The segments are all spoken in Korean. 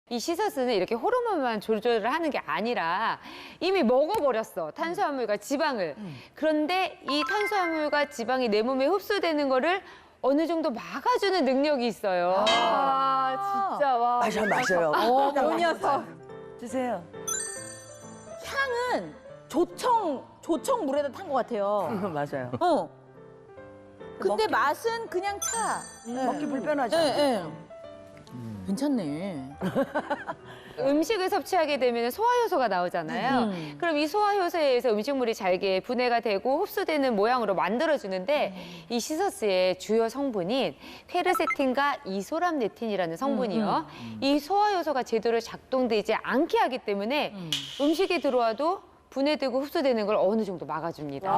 이 시서스는 이렇게 호르몬만 조절을 하는 게 아니라 이미 먹어버렸어, 탄수화물과 지방을. 그런데 이 탄수화물과 지방이 내 몸에 흡수되는 거를 어느 정도 막아주는 능력이 있어요. 아, 진짜 와. 마셔요. 요 녀석. 드세요. 향은 조청 물에다 탄 것 같아요. 맞아요. 근데 맛은 그냥 차. 먹기 불편하죠. 네. 괜찮네. 음식을 섭취하게 되면 소화효소가 나오잖아요. 그럼 이 소화효소에 의해서 음식물이 잘게 분해가 되고 흡수되는 모양으로 만들어주는데 이 시서스의 주요 성분인 퀘르세틴과 이소람네틴이라는 성분이요. 이 소화효소가 제대로 작동되지 않게 하기 때문에 음식이 들어와도 분해되고 흡수되는 걸 어느 정도 막아줍니다.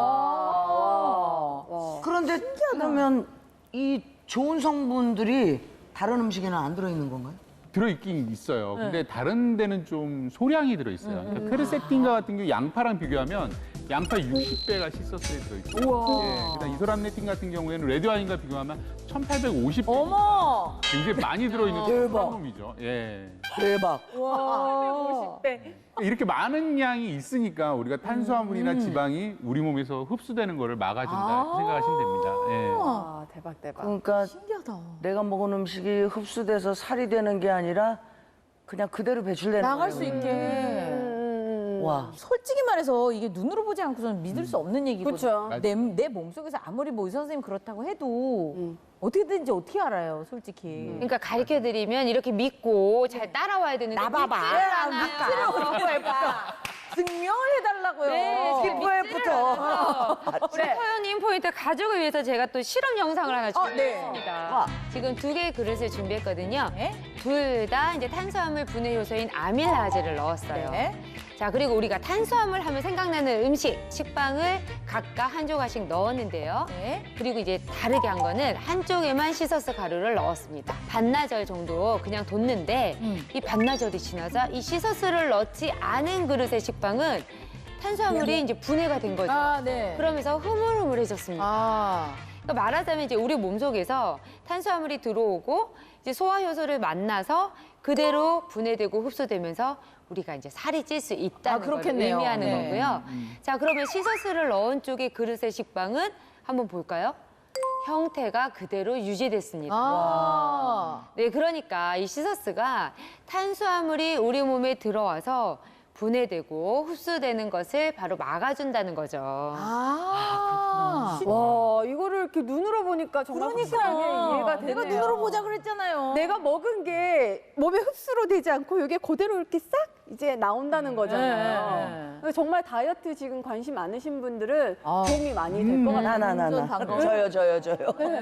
그런데 그러면 이 좋은 성분들이 다른 음식에는 안 들어있는 건가요? 들어있긴 있어요. 근데 다른 데는 좀 소량이 들어있어요. 그러니까 퀘르세틴과 같은 경우 양파랑 비교하면 양파 60배가 시서스에 들어있어요. 예, 그다음 이소람네틴 같은 경우에는 레드와인과 비교하면 1850배. 어머! 굉장히 많이 들어있는 대박. 놈이죠. 예. 대박. 와. 50대. 이렇게 많은 양이 있으니까 우리가 탄수화물이나 지방이 우리 몸에서 흡수되는 거를 막아준다 이렇게 생각하시면 됩니다. 예. 와, 대박, 대박. 그러니까 신기하다. 내가 먹은 음식이 흡수돼서 살이 되는 게 아니라 그냥 그대로 배출되는 나갈 거예요. 수 있게. 와. 솔직히 말해서 이게 눈으로 보지 않고서는 믿을 수 없는 얘기거든요. 그쵸. 내 몸속에서 아무리 뭐 의사 선생님 그렇다고 해도 어떻게든지 어떻게 알아요, 솔직히. 그러니까 가르쳐드리면 이렇게 믿고 잘 따라와야 되는데 나봐봐. 믿지를 않아요. 증명해달라고요. 네, 지금 피부에부터. 우리 서현님 포인트 가족을 위해서 제가 또 실험 영상을 하나 준비했습니다. 와. 지금 2개의 그릇을 준비했거든요. 네. 둘 다 이제 탄수화물 분해 요소인 아밀라제를 넣었어요. 네. 자, 그리고 우리가 탄수화물 하면 생각나는 음식, 식빵을 각각 한 조각씩 넣었는데요. 네. 그리고 이제 다르게 한 거는 한쪽에만 시서스 가루를 넣었습니다. 반나절 정도 그냥 뒀는데 이 반나절이 지나자 이 시서스를 넣지 않은 그릇의 식빵은 탄수화물이 이제 분해가 된 거죠. 아, 네. 그러면서 흐물흐물해졌습니다. 아. 그러니까 말하자면 이제 우리 몸속에서 탄수화물이 들어오고 이제 소화효소를 만나서 그대로 분해되고 흡수되면서 우리가 이제 살이 찔 수 있다는 걸 그렇겠네요. 의미하는 네. 거고요. 자, 그러면 시서스를 넣은 쪽의 그릇의 식빵은 한번 볼까요? 형태가 그대로 유지됐습니다. 아. 네, 그러니까 이 시서스가 탄수화물이 우리 몸에 들어와서 분해되고 흡수되는 것을 바로 막아준다는 거죠. 아. 와, 이거를 이렇게 눈으로 보니까 정말 확실하게 이해가 되네요. 내가 눈으로 보자 그랬잖아요. 내가 먹은 게 몸에 흡수로 되지 않고 이게 그대로 이렇게 싹 이제 나온다는 거잖아요. 네. 그래서 정말 다이어트 지금 관심 많으신 분들은 아. 도움이 많이 될 것 같아요. 나. 완전 반가워요. 저요.